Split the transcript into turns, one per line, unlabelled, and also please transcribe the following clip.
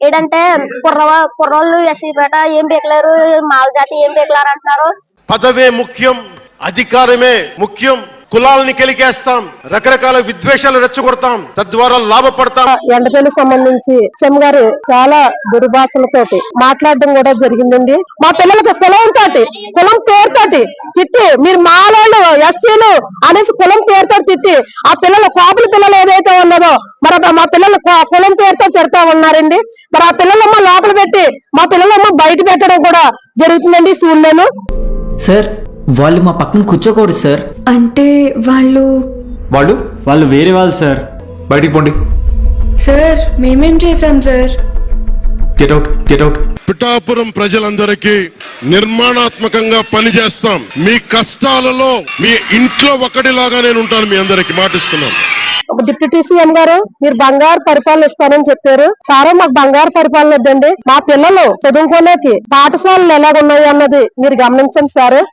ఏంటంటే కుర్రోళ్ళు ఎస్సీ పేట ఏం బీకలేరు, మాల జాతి ఏం బీకలేరు అంటున్నారు.
పదవే ముఖ్యం, అధికారమే ముఖ్యం. కులాలని కెలికేస్తాం, రకరకాల విద్వేషాలు రెచ్చగొడతాం, తద్వారా లాభపడతాం.
ఎండపల్లి సంబంధించి చెమ్ గారు చాలా దుర్భాషలతోటి మాట్లాడడం కూడా జరిగిందండి. మా పిల్లలకి కులం పేరుతోటి తిట్టి, మీరు మాలోళ్ళు ఎస్సీలు అనేసి కులం పేరుతో తిట్టి, ఆ పిల్లలు కాపుల పిల్లలు ఏదైతే ఉన్నదో మరి మా పిల్లలు కులం పేరుతో తిడతా ఉన్నారండి. మరి ఆ పిల్లలమ్మ లోపల పెట్టి మా పిల్లలమ్మ బయట పెట్టడం కూడా జరుగుతుందండి స్కూల్లోను.
సార్ వాళ్ళు మా పక్కన కూర్చోకూడదు సార్.
అంటే
వాళ్ళు వేరే వాళ్ళు సార్.
బయటికి పోండి
సార్. మేమేం చేశాం సార్?
Get out.
పిఠాపురం ప్రజలందరికీ నిర్మాణాత్మకంగా పనిచేస్తాం. మీ కష్టాలలో మీ ఇంట్లో ఒకటిలాగా నేను ఉంటాను. మీ అందరికి మాటిస్తున్నాను.
డిప్యూటీ సీఎం గారు మీరు బంగారు పరిపాలన ఇస్తానని చెప్పారు. చాలా మాకు బంగారు పరిపాలన వద్దండి. మా పిల్లలు చదువుకోలేకి పాఠశాలలు ఎలాగున్నాయి అన్నది మీరు గమనించండి సార్.